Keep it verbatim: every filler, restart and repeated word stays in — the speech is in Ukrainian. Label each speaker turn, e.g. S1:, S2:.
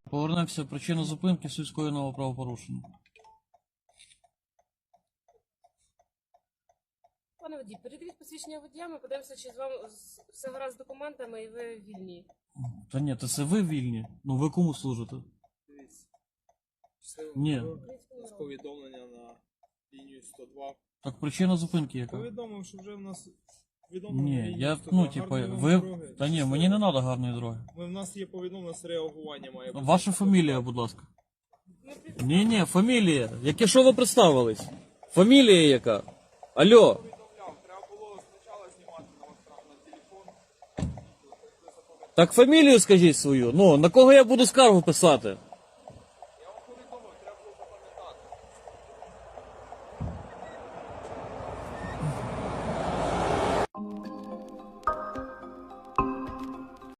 S1: Повернемося в причину зупинки скоєного правопорушення.
S2: Пане водій, передивіть посвідчення водія, ми подивимося, чи з вами все гаразд з документами і ви вільні.
S1: Та ні, то це ви вільні. Ну ви кому служите?
S3: Дивіться. Щасливо.
S1: Ні.
S3: З повідомлення на лінію сто два.
S1: Так причина зупинки яка?
S3: Повідомив, що вже в нас повідомлення на
S1: Ні,
S3: лінію
S1: я,
S3: сто два.
S1: ну, типу,
S3: Гарної вам
S1: ви...
S3: дороги.
S1: Та ні,
S3: Щасливо.
S1: мені не треба гарної дороги.
S3: Ми, в нас є повідомлення з реагування має бути.
S1: Ваша фамілія, будь ласка. Ні, ні, фамілія. Яке що ви представились? Фамілія яка? Алло.
S3: Повідомляв, треба було спочатку знімати на вас на телефон.
S1: Так фамілію скажіть свою. Ну, на кого я буду скаргу писати?